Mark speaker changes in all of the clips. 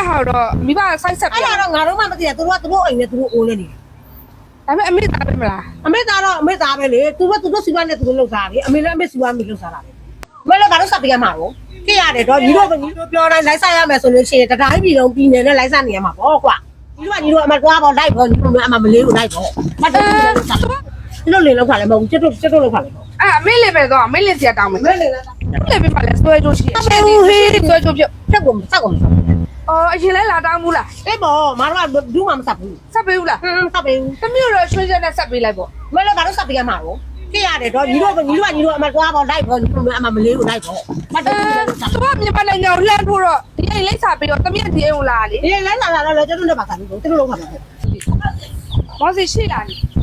Speaker 1: 好了，没把晒晒。
Speaker 2: 哎呀，俺都妈不记得，都အိမ်နဲ့သူတို့အိုးနေတယ်
Speaker 1: ။ဒါပေမဲ့အမေသားပဲမလား
Speaker 2: ။အမေသားပဲလေ။သူတို့စီဝါနဲ့သူတို့လှုပ်စားတယ်။အမေလည်းအမေစီဝါမိလှုပ်စားတာပဲ။မလည်းဘာလို့စပ်ပြရမှာရော။ကြည့်ရတယ်တော့ညီတို့ပြောတိုင်းလိုက်စားရမယ်ဆိုလို့ရှိရင်တတိုင်းပြည်လုံးပြည်နယ်နဲ့လိုက်စားနေရမှာပေါ့ကွာ။ညီတို့အမကွာပေါ့လိုက်ပေါ့ညီတို့အမမလေးကိုလိုက်ပေါ့။မတ်တယ်လို့စား။လို့လေလောက်ခါလည်းမဟုတ်ဘူးကျွတ်လောက်ခါလည်းပေါ့
Speaker 1: ။အမေလေးပဲတော့အမေလေးစီတောင်းမယ်။
Speaker 2: ။မလေးလား
Speaker 1: ။လေးပဲပါလဲဆွဲကြိုးရှိ။ဆွဲကြိုးပြုတ်
Speaker 2: ။စက်ကုန်
Speaker 1: ။အော်အရင်လဲလာတောင်းဘူးလား။
Speaker 2: အဲ့ပေါ့မတော်ကဘူးမှမစပ်ဘူး
Speaker 1: ဆက်ပေးဘူးလား
Speaker 2: စပ်ပေးဘူး
Speaker 1: ။တမျိုးတော့ရွှေချက်နဲ့ဆက်ပေးလိုက်ပေါ့
Speaker 2: မလည်းဘာလို့စပ်ပေးရမှာရောကြည့်ရတယ်တော့ညီတို့အမကွာပေါ့လိုက်ပေါ့ညီတို့အမမလေးကိုလိုက်ပေါ့မတ်တယ်လို့စား
Speaker 1: ။သူကမြန်မာနိုင်ငံကိုလှမ်းထိုးတော့ဒီအိမ်လိမ့်စာပေးတော့တမက်ဒီအိမ်ကိုလာလေ
Speaker 2: ဒီလဲလာတော့ကျွတ်နဲ့ပါစားလို့သူတို့လောက်ခါမှာပေါ့
Speaker 1: ။မောစီရှိလာလေ။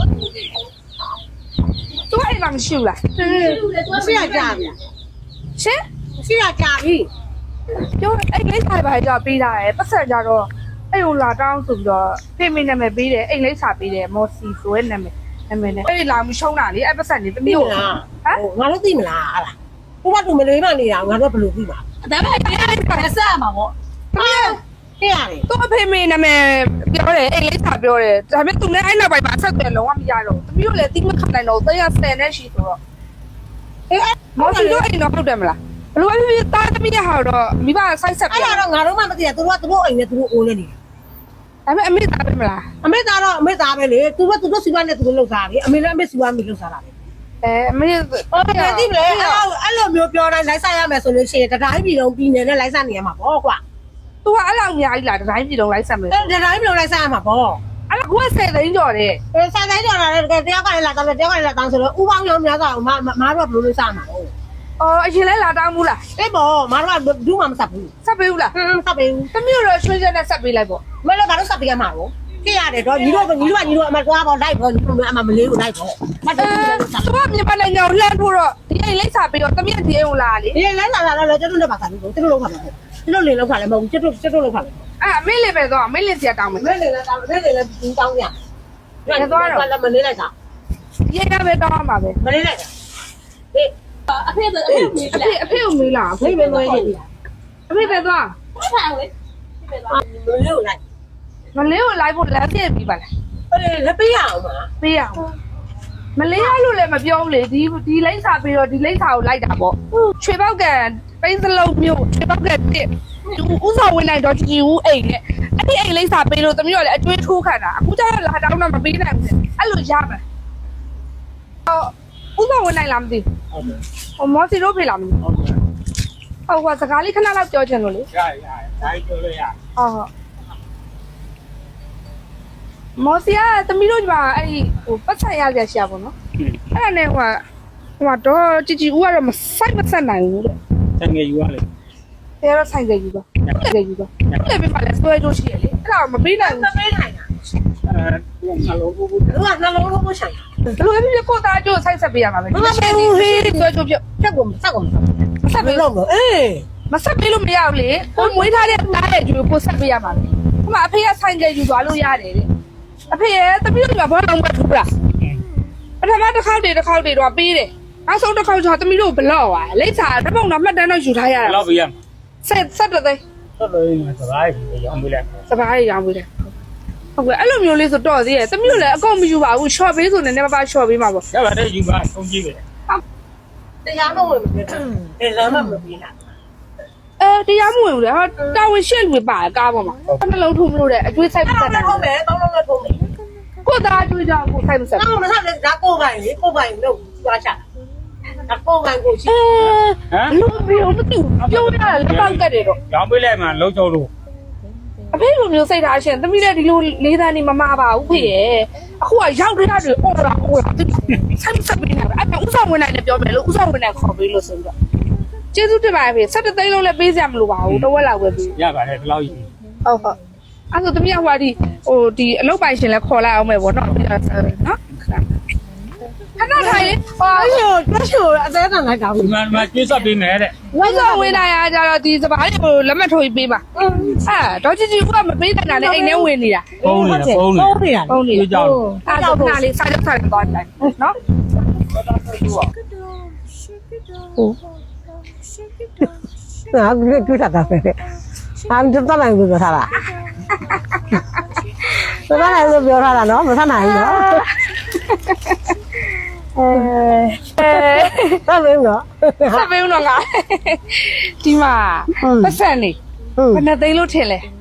Speaker 1: သူကအိမ်မှာမရှိဘူးလား
Speaker 2: ရှိရကြပြီ
Speaker 1: ။ရှင်
Speaker 2: ရှိရကြပြီ
Speaker 1: ပြောအိမ်လိမ့်စာပဲကြောပေးတာရယ်ပတ်ဆက်ကြတော့အိမ်ကိုလာတောင်းဆိုပြီးတော့ဖေမိနာမည်ပေးတယ်အိမ်လိမ့်စာပေးတယ်မော်စီဆိုတဲ့နာမည်နဲ့အဲ့ဒီလာမှုရှုံးတာလေအဲ့ပတ်ဆက်နေတမီးကိုဟမ်
Speaker 2: ငါတို့သိမလားဟာလားဘုရားသူမလေးမနေတာငါတို့ဘယ်လိုသိမှာ
Speaker 1: ဒါပေမဲ့အဲ့ဒီပတ်ဆက်မှာပေါ့
Speaker 2: သိရတယ်
Speaker 1: သူ့အဖေမေနာမည်ပြောတယ်အိမ်လိမ့်စာပြောတယ်ဒါပေမဲ့သူနဲ့အဲ့နောက်ပိုင်းမှာဆက်သွယ်လုံးဝမရတော့တမီးကိုလည်းတိမခံနိုင်တော့တရား10နဲ့ရှိဆိုတော့မော်စီတို့အိမ်တော့ဟုတ်တယ်မလားဘလို့ပဲဖြစ်တာတမီးရဟာတော့မိဘဆိုက်ဆက်
Speaker 2: အဲ့
Speaker 1: ပြော
Speaker 2: ဒါတော့ငါတို့မှမသိတာသူတို့အိမ်နဲ့သူတို့အိုးနေတယ်
Speaker 1: ဒါပေမဲ့အမေသားပဲမလား
Speaker 2: အမေသားပဲလေသူတို့စီဝါနဲ့သူတို့လှုပ်စားတယ်အမေလည်းအမေစီဝါမိလှုပ်စားတာပဲ
Speaker 1: အမေ
Speaker 2: ဟုတ်တယ်သိမလဲအဲ့လိုမျိုးပြောတိုင်းလိုက်စားရမယ်ဆိုလို့ရှိရင်တတိုင်းပြည်လုံးပြည်နယ်နဲ့လိုက်စားနေရမှာပေါ့ကွာ
Speaker 1: သူကအဲ့လောက်အများကြီးလားတတိုင်းပြည်လုံးလိုက်ဆက်မယ်
Speaker 2: တတိုင်းပြည်လုံးလိုက်စားရမှာပေါ့
Speaker 1: အဲ့ဒါက10သိန်းကျော်တယ်
Speaker 2: ဆိုင်တိုင်းကြော်လာတယ်တယောက်ကလည်းလာတောင်းတယ်တယောက်ကလည်းလာတောင်းဆိုတော့ဥပေါင်းရောများစားအောင်မတို့ကဘယ်လိုလုပ်စားမှာလဲ
Speaker 1: အော်အရင်လဲလာတောင်းဘူးလား
Speaker 2: အေးပေါ့မတို့ကဘူးမှမဆက်ဘူး
Speaker 1: ဆက်ပေးဘူးလား
Speaker 2: စပ်ပေးဘူး
Speaker 1: တမျိုးတော့ရွှေချက်နဲ့ဆက်ပေးလိုက်ပေါ့
Speaker 2: မလည်းဘာလို့စပ်ပေးရမှာရောကြည့်ရတယ်တော့ညီတို့အမကွာပေါ့လိုက်ပေါ့ညီတို့အမမလေးကိုလိုက်ပေါ့မတ်တယ်လို့စား
Speaker 1: သူကမြန်မာနိုင်ငံကိုလှမ်းထိုးတော့ဒီအိမ်လိမ့်စာပေးတော့တမက်ဒီအိမ်ကိုလာလေ
Speaker 2: ဒီလဲလာတော့ကျွတ်နဲ့ပါစားလို့သူတို့လောက်ခါမှာပေါ့သူတို့လေလောက်ခါလည်းမဟုတ်ဘူးကျွတ်လောက်ခါလည်း
Speaker 1: အဲ့အမေလေးပဲတော့အမေလေးစီတောင်းမယ်
Speaker 2: မဲလေလည်းဘူးတောင်းရလည်းမလေးလိုက်တာ
Speaker 1: ဒီအိမ်ကပဲတောင်းရမှာပဲ
Speaker 2: မလေးလိုက်တာအေး
Speaker 1: အဖေကိုမေးလား
Speaker 2: ဖိပဲမွေးနေ
Speaker 1: အဖေပဲတော့
Speaker 2: မလေးကိုလိုက်
Speaker 1: မလေးကိုလိုက်ဖို့လမ်းပြည့်ပြီးပါလား
Speaker 2: အဲ့လက်ပေးရအောင်ပါ
Speaker 1: ပေးရအောင်မလေးရလို့လည်းမပြောဘူးလေဒီလိမ့်စာပေးတော့ဒီလိမ့်စာကိုလိုက်တာပေါ့ချွေပေါက်ကပိန်းစလုံးမျိုးချွေပေါက်ကတစ်ဥစားဝင်နိုင်တော့ကြည်ဦးအိမ်နဲ့အဲ့ဒီအိမ်လိမ့်စာပေးလို့တမျိုးလည်းအကျွေးထိုးခံတာအခုကျတော့လာတောင်းတော့မပေးနိုင်ဘူးအဲ့လိုရမယ်ဥစားဝင်နိုင်လားမသိ
Speaker 2: ဟုတ်တယ်
Speaker 1: ဟိုမော်စီတို့ဖေးလားမသိ
Speaker 2: ဟုတ်တယ်
Speaker 1: ဟုတ်ကဲ့စကားလေးခဏလောက်ပြောချင်လို့လေ
Speaker 2: ရတိုင်းပြောလို့ရ
Speaker 1: ဟုတ်မော်စီကတမီးတို့ကအဲ့ဒီဟိုပတ်ဆက်ရကြရှာပေါ့နော်အဲ့ဒါနဲ့ဟိုတော့ကြည်ဦးကတော့မဆိုင်မဆက်နိုင်ဘူးတဲ့
Speaker 2: တန်ငယ်ယူရလေ
Speaker 1: တဲတော့ဆိုင်ကြယူပါဆိုင်ကြယူပါလည်းပြပါလဲဆွဲကြိုးရှိရလေအဲ့ဒါမပေးနိုင်ဘူးမပေးနိုင်တာ
Speaker 2: သူကနှလုံးဘူးသူကနှလုံးဘူးဆိုင်
Speaker 1: ဘယ်လိုဖြစ်ကိုသားကြိုးဆိုင်ဆက်ပေးရမှာပဲဆွဲကြိုးပြုတ်
Speaker 2: ချက်ကုန်စက်ကုန်ဆက်ပြီးတော့အေး
Speaker 1: မဆက်ပေးလို့မရဘူးလေကိုမွေးထားတဲ့တားရဲ့ကြိုးကိုဆက်ပေးရမှာပဲဟိုမှာအဖေကဆိုင်ကြယူသွားလို့ရတယ်တဲ့အဖေရဲ့တပည့်တို့ကဘောလုံးမထူလားပထမတစ်ခေါက်တွေတော့ပေးတယ်နောက်ဆုံးတစ်ခေါက်ကျတော့တမီးတို့ဘလော့သွားလိမ့်စာတပုံတော့မှတ်တမ်းတော့ယူထားရတာ
Speaker 2: လောက်ပြရမှာ
Speaker 1: ဆက်တဲ့သိ
Speaker 2: ဆက်လို့စကားကြီးရောင်းပေးလိုက်
Speaker 1: စပားရရောင်းပေးတယ်ဟုတ်ကဲ့အဲ့လိုမျိုးလေးဆိုတော့သေးရဲ့တမီးတို့လည်းအကုန်မယူပါဘူး short ပေးဆိုနေနေပါ short ပေးမှာပေါ့
Speaker 2: ရပါတယ်ယူပါဆုံးကြည့်ပဲတရားမဝင်ဘူးလေလမ်းမမပြီးလား
Speaker 1: တရားမဝင်ဘူးလေဟာတာဝန်ရှက်လူပါကားပေါ်မှာနှလုံးထုံးမလို့တဲ့အကျွေးဆိုင်ပတ်တယ်
Speaker 2: ထုံးမယ်တောင်းလုံးနဲ့ထုံးမယ်
Speaker 1: ကိုသားကျွေးကြကိုဆိုင်မဆက်
Speaker 2: တောင်းမဆက်လေဒါကိုပိုင်လေကိုပိုင်လို့သွားချဒါကိုပိုင်ကိုရှိ
Speaker 1: လူမျိုးမတူပြောရတာလက်ပေါက်ကတ်တယ်တော့
Speaker 3: ရောင်းပေးလိုက်မှလုံးချုံလို့
Speaker 1: အဖေလိုမျိုးစိတ်ထားရှင်သမီးလည်းဒီလိုလေးသားနေမမပါဘူးဖေရဲ့အခုကရောက်တဲ့တွေအော်တာဆက်ဆက်ပေးနေတာအဲ့ဒါဥဆောင်ဝင်နိုင်တယ်ပြောမယ်လို့ဥဆောင်ဝင်နိုင်ခေါ်ပေးလို့ဆိုပြီးတော့ကျေးဇူးတင်ပါတယ်ဖေ17သိန်းလုံးလည်းပေးစရာမလိုပါဘူးတစ်ဝက်လောက်ပဲပေး
Speaker 3: ရပါတယ်ဒီလောက်ကြီး
Speaker 1: ဟုတ်အဲ့ဆိုသမီးကဟိုဒီအလုပ်ပိုင်ရှင်လည်းခေါ်လိုက်အောင်မယ်ဗောနော်နော်ခဏထိုင်လေဟာ
Speaker 2: အဲ့လိုတွက်ချိုအသေးခံလိုက်တာဘူး
Speaker 3: ဒီမှာကျွေးဆက်ပေးမယ်တဲ့
Speaker 1: ဝိုင်းဆောင်ဝင်နိုင်ရကြတော့ဒီစပားလေးကိုလက်မှတ်ထိုးပြီးပေးပါဒေါ်ချီကမပေးတဲ့နာနဲ့အိမ်ထဲဝင်နေတာ
Speaker 3: ဖုန်းနေဖုန်းနေ
Speaker 2: ဟုတ်ပြီလား
Speaker 1: ဟုတ်နေ
Speaker 3: ကျွေးကြောက်လို့
Speaker 1: အဲ့တော့ခဏလေးစားကြစားသွားတယ်နော်
Speaker 2: ဟာတွေ့တာပဲတတ်နိုင်ဘူးပြောထားတာတတ်နိုင်လို့ပြောထားတာနော်မတတ်နိုင်ဘူးနော်တတ်လို့နော်
Speaker 1: ဆက်ပေးဦးတော့ငါဒီမှာပတ်စံနေဘယ်နဲ့သိန်းလို့ထင်လဲ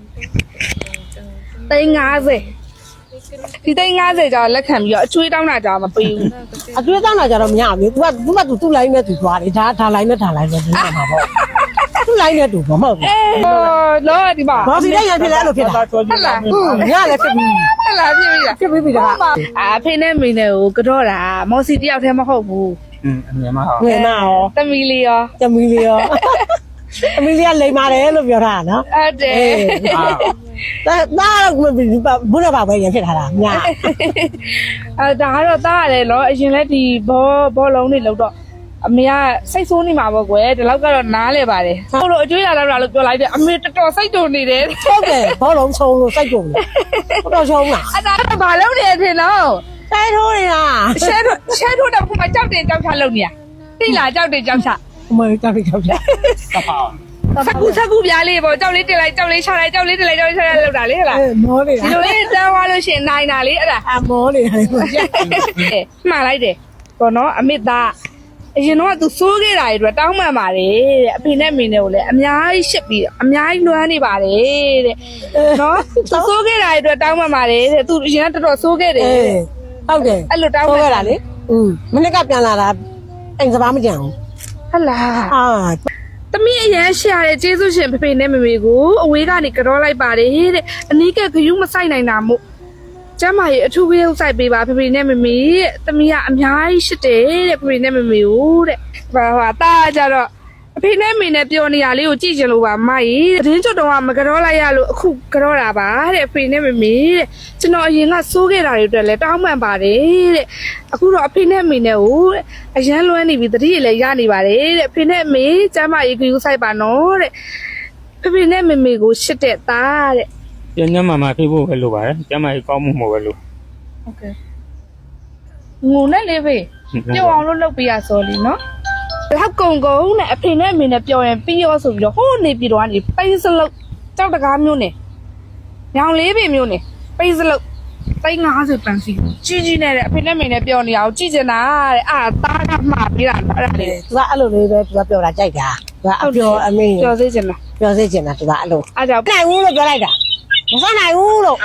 Speaker 1: 350ဒီ350ကျော်လက်ခံပြီးတော့အချွေးတောင်းတာကြောင်မပေးဘူး
Speaker 2: အကျွေးတောင်းတာကြတော့မရဘူးသူ့လိုင်းနဲ့သူသွားတယ်ဒါလိုင်းနဲ့ဒါလိုင်းနဲ့ဒီမှာပေါ့သူ့လိုင်းနဲ့သူမဟုတ်ဘူး
Speaker 1: လောဒီမှာ
Speaker 2: ဘာစီတဲ့ရဖြစ်လဲအဲ့လိုဖြစ်တာ
Speaker 3: ချောချော
Speaker 2: ညလည်းဖြစ်ပြီး
Speaker 1: ဟဲ့လားဖြစ်ပြီလား
Speaker 2: ဖြစ်ပြီးဒါ
Speaker 1: အဖေနဲ့မိနဲ့ကိုကတော့တာမော်စီတယောက်တည်းမဟုတ်ဘူး
Speaker 3: အမြင်မှာဟော
Speaker 2: ငယ်နာရော
Speaker 1: သမီးလေးရော
Speaker 2: တမီလီရောတမီလီကလိမ်ပါတယ်လို့ပြောထားတာနော်
Speaker 1: ဟုတ်တယ်
Speaker 2: ဒါဘုရားဘာပဲရဖြစ်ထားတာည
Speaker 1: ဒါကတော့တားရတယ်လောအရင်လဲဒီဘောလုံးတွေလောက်တော့အမေကစိတ်ဆိုးနေမှာပေါ့ကွယ်ဒီလောက်ကတော့နားလဲပါတယ်ဟုတ်လို့အကျွေးရလာလို့ပြောလိုက်တယ်အမေတော်တော်စိတ်တုန်နေတယ်
Speaker 2: ဟုတ်တယ်ဘောလုံးချုံလို့စိတ်ကုန်တယ်တော်ချုံလား
Speaker 1: အဲ့ဒါကဘာလုပ်နေထင်တော့
Speaker 2: တိုက်ထိုးနေတာ
Speaker 1: ရှဲထိုးတော့ခုမှကြောက်တယ်ကြောက်ချလုပ်နေရသိလားကြောက်တယ်ကြောက်ချ
Speaker 2: အမေကြောက်ကြောက်
Speaker 3: တဖောင်း
Speaker 1: ဆက်ကူပြားလေးပေါ့ကြောက်လေးတင်လိုက်ကြောက်လေးချလိုက်ကြောက်လေးတင်လိုက်ကြောက်လေးချလိုက်လောက်တာလေဟဲ့လား
Speaker 2: မောနေတာ
Speaker 1: ဒီလိုလေးတန်းသွားလို့ရှိရင်နိုင်တာလေအဲ့ဒါ
Speaker 2: အမောနေတာလေ
Speaker 1: မှန်လိုက်တယ်ပေါ့နော်အမေသားအရင်တော့သူစိုးခဲ့တာတွေအတွက်တောင်းပန်ပါတယ်တဲ့အဖေနဲ့မိနဲ့ကိုလည်းအများကြီးရှစ်ပြီးအများကြီးလွှမ်းနေပါတယ်တဲ့နော်သူစိုးခဲ့တာတွေအတွက်တောင်းပန်ပါတယ်တဲ့သူအရင်ကတော်တော်စိုးခဲ့တယ်
Speaker 2: ဟုတ်တယ်
Speaker 1: အဲ့လိုတောင်းပန်
Speaker 2: ခဲ့တာလေမနေ့ကပြန်လာတာအိမ်စပါးမကြံဘူး
Speaker 1: ဟလာ
Speaker 2: အာ
Speaker 1: သမီးအရန်ရှာတဲ့ကျေးဇူးရှင်ဖေဖေနဲ့မမေကိုအဝေးကနေကြောလိုက်ပါတယ်တဲ့အနီးကခရူးမဆိုင်နိုင်တာမို့ကျမရဲ့အထူးကြီးစိုက်ပေးပါဖေဖေနဲ့မမေတဲ့သမီးကအများကြီးရှစ်တယ်တဲ့ဖေဖေနဲ့မမေကိုတဲ့ဟာတာကြတော့အဖေနဲ့မေနဲ့ပြောနေရလေးကိုကြည့်ချင်လို့ပါမကြီးသတင်းကျွတ်တော့မကြောလိုက်ရလို့အခုကြောတာပါတဲ့အဖေနဲ့မမေတဲ့ကျွန်တော်အရင်ကစိုးခဲ့တာတွေအတွက်လည်းတောင်းပန်ပါတယ်တဲ့အခုတော့အဖေနဲ့မေနဲ့ကိုအရန်လွှမ်းနေပြီတတိရလည်းရနေပါတယ်တဲ့အဖေနဲ့မေကျမရေကူဆိုင်ပါနော်တဲ့ဖေဖေနဲ့မေမေကိုရှစ်တဲ့သားတဲ့
Speaker 3: ကျန်ညမှာမှာဖြစ်ဖို့ပဲလိုပါတယ်ကျမကြီးကောင်းမှုမဟုတ်ပဲလို့
Speaker 1: ဟုတ်ကဲ့ငုံနဲ့လေးဖေပြောအောင်လို့လုပ်ပြရစောလीနော်လောက်ကုံနဲ့အဖေနဲ့အမေနဲ့ပြောရင်ပြီးရောဆိုပြီးတော့ဟိုးနေပြီးတော့ကနေပိန်းစလုတ်ကြောက်တကားမျိုးနဲ့ညောင်လေးပင်မျိုးနဲ့ပိန်းစလုတ်350ပန်စီကြီးနဲ့တဲ့အဖေနဲ့အမေနဲ့ပြောနေအောင်ကြည့်ချင်တာတဲ့အာသားကမှားပြီးတာအဲ့ဒါလေ
Speaker 2: သူကအဲ့လိုလေးပဲသူကပြောတာကြိုက်တာသူကအပြောအမေ
Speaker 1: ပြောစေချင်တာ
Speaker 2: ပြောစေချင်တာသူကအဲ့လို
Speaker 1: အားကြောင့်
Speaker 2: နိုင်ဘူးလို့ပြောလိုက်တာမဆနိုင်ဘူးလို့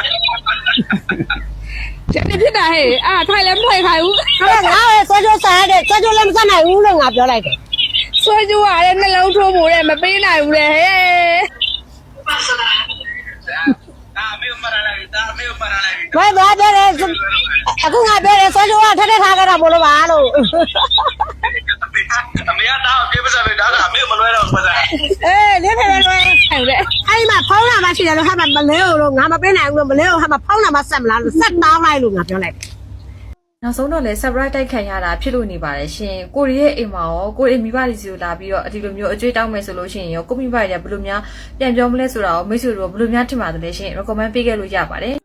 Speaker 1: ကျန်နေဖြစ်တာဟဲ့အာထိုင်လည်းမထိုင်ခိုင်းဘူး
Speaker 2: ဟာငါ့ရဲ့ဆွဲကြိုးစားတဲ့ဆွဲကြိုးလည်းမဆနိုင်ဘူးလို့ငါပြောလိုက်တယ်
Speaker 1: ဆွဲကြိုးရတဲ့နှလုံးထိုးဖို့တဲ့မပေးနိုင်ဘူးလေဟဲ့
Speaker 2: ဘယ်သွားတယ်အခုငါပြောတယ်ဆွဲကြိုးကထက်ထက်ထားကြတာမလို့ပါလို့
Speaker 4: အမေကတော့ပြေးပစားပဲဒါကအမေမလွဲတော့ဘူးပစား
Speaker 2: အေးလေးဖေးလေး
Speaker 1: ဟုတ်တယ်
Speaker 2: အဲ့ဒီမှာဖုန်းလာမှရှိတယ်လို့ဟာမလဲလို့ငါမပေးနိုင်ဘူးလို့မလဲလို့ဟာမဖုန်းလာမှဆက်မလားလို့ဆက်တောင်းလိုက်လို့ငါပြောလိုက်
Speaker 5: နောက်ဆုံးတော့လဲ surprise တိုက်ခံရတာဖြစ်လို့နေပါတယ်ရှင်ကိုရီရဲ့အိမ်မှာရောကိုရီမိဘတွေစီကိုလာပြီးတော့ဒီလိုမျိုးအကျွေးတောင်းမယ်ဆိုလို့ရှိရင်ရောကိုမိဘတွေကဘယ်လိုများပြန်ပြောမလဲဆိုတာကိုမိတ်ဆွေတို့ဘယ်လိုများထင်ပါတယ်လဲရှင် recommend ပေးခဲ့လို့ရပါတယ်